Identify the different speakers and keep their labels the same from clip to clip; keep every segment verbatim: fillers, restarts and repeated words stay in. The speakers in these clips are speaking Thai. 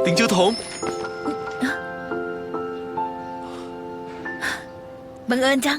Speaker 1: ติงจือถง
Speaker 2: บังเอิญจัง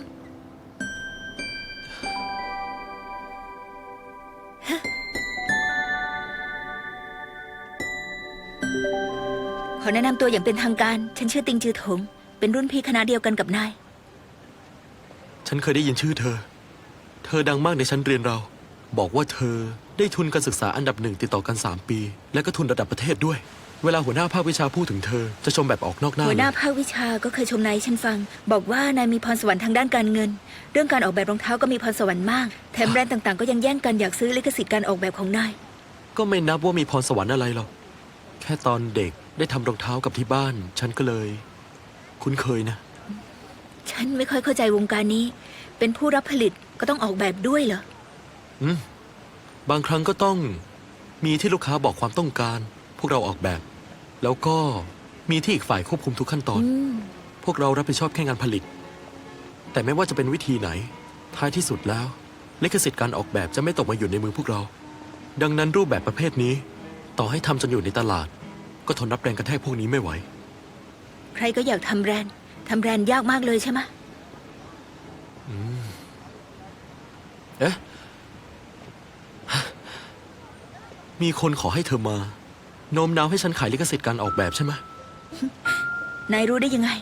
Speaker 2: ขอแนะนำตัวอย่างเป็นทางการฉันชื่อติงจือถงเป็นรุ่นพี่คณะเดียวกันกับนาย
Speaker 1: ฉันเคยได้ยินชื่อเธอเธอดังมากในชั้นเรียนเราบอกว่าเธอได้ทุนการศึกษาอันดับหนึ่งติดต่อกันสามปีและก็ทุนระดับประเทศด้วยเวลาหัวหน้าภาควิชาพูดถึงเธอจะชมแบบออกนอกหน้า
Speaker 2: หัวหน้าภาควิชาก็เคยชมนายฉันฟังบอกว่านายมีพรสวรรค์ทางด้านการเงินเรื่องการออกแบบรองเท้าก็มีพรสวรรค์มากแถมแบรนด์ต่างๆก็ยังแย่งกันอยากซื้อลิขสิทธิ์การออกแบบของนาย
Speaker 1: ก็ไม่นับว่ามีพรสวรรค์อะไรหรอกแค่ตอนเด็กได้ทำรองเท้ากับที่บ้านฉันก็เลยคุ้นเคยนะ
Speaker 2: ฉันไม่ค่อยเข้าใจวงการนี้เป็นผู้รับผลิตก็ต้องออกแบบด้วยเหรอ
Speaker 1: อืมบางครั้งก็ต้องมีที่ลูกค้าบอกความต้องการพวกเราออกแบบแล้วก็มีที่อีกฝ่ายควบคุมทุกขั้นตอนพวกเรารับผิดชอบแค่งานผลิตแต่ไม่ว่าจะเป็นวิธีไหนท้ายที่สุดแล้วลิขสิทธิ์การออกแบบจะไม่ตกมาอยู่ในมือพวกเราดังนั้นรูปแบบประเภทนี้ต่อให้ทำจนอยู่ในตลาดก็ทนรับแรงกระแทกพวกนี้ไม่ไหว
Speaker 2: ใครก็อยากทำแบรนด์ทำแบรนด์ยากมากเลยใช่ไหม
Speaker 1: อืมเอ๊ะมีคนขอให้เธอมาโน้มน้าวให้ฉันขายลิขสิทธิ์การออกแบบใช่ไหม
Speaker 2: นายรู้ได้ยังไง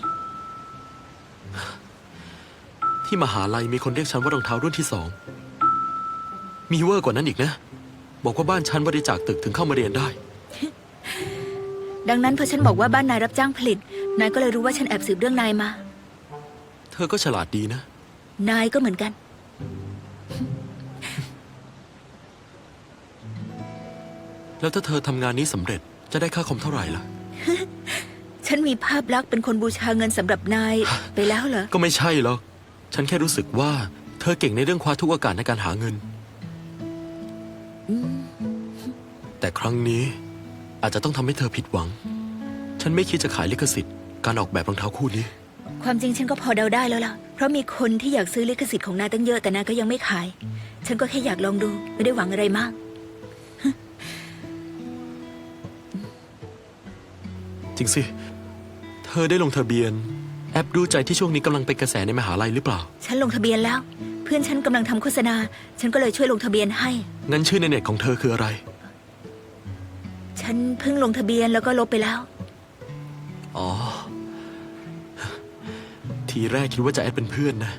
Speaker 1: ที่มหาลัยมีคนเรียกฉันว่ารองเท้ารุ่นที่สองมีเวอร์กว่านั้นอีกนะบอกว่าบ้านฉันบริจาคตึกถึงเข้ามาเรียนได้
Speaker 2: ดังนั้นพอฉันบอกว่าบ้านนายรับจ้างผลิตนายก็เลยรู้ว่าฉันแอบสืบเรื่องนายมา
Speaker 1: เธอก็ฉลาดดีนะ
Speaker 2: นายก็เหมือนกัน
Speaker 1: แล้วถ้าเธอทำงานนี้สำเร็จจะได้ค่าคอมเท่าไหร่ล่ะ
Speaker 2: ฉันมีภาพลักษณ์เป็นคนบูชาเงินสำหรับนายไปแล้วเหรอ
Speaker 1: ก็ไม่ใช่หรอกฉันแค่รู้สึกว่าเธอเก่งในเรื่องคว้าทุกโอกาสในการหาเงินแต่ครั้งนี้อาจจะต้องทำให้เธอผิดหวังฉันไม่คิดจะขายลิขสิทธิ์การออกแบบรองเท้าคู่นี้
Speaker 2: ความจริงฉันก็พอเดาได้แล้วล่ะเพราะมีคนที่อยากซื้อลิขสิทธิ์ของนายตั้งเยอะแต่นายก็ยังไม่ขายฉันก็แค่อยากลองดูไม่ได้หวังอะไรมาก
Speaker 1: จริงสิเธอได้ลงทะเบียนแอปดูใจที่ช่วงนี้กำลังเป็นกระแสในมหาลัยหรือเปล่า
Speaker 2: ฉันลงทะเบียนแล้วเพื่อนฉันกำลังทำโฆษณาฉันก็เลยช่วยลงทะเบียนให้
Speaker 1: งั้นชื่อในเน็ตของเธอคืออะไร
Speaker 2: ฉันเพิ่งลงทะเบียนแล้วก็ลบไปแล้ว
Speaker 1: อ๋อทีแรกคิดว่าจะแอดเป็นเพื่อนนะ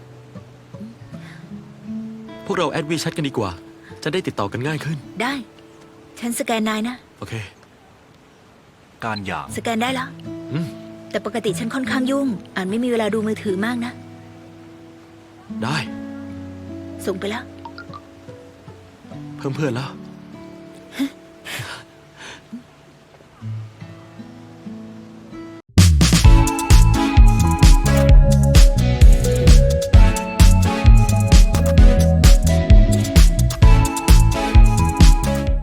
Speaker 1: พวกเราแอดวีแชทกันดีกว่าจะได้ติดต่อกันง่ายขึ้น
Speaker 2: ได้ฉันสแกนนายนะ
Speaker 1: โอเค
Speaker 3: การหย่า
Speaker 2: สแกนได้แล้วแต่ปกติฉันค่อนข้างยุ่งอ่านไม่มีเวลาดูมือถือมากนะ
Speaker 1: ได้
Speaker 2: ส่งไปแล้ว
Speaker 1: เพิ่มเพื่อนแล้ว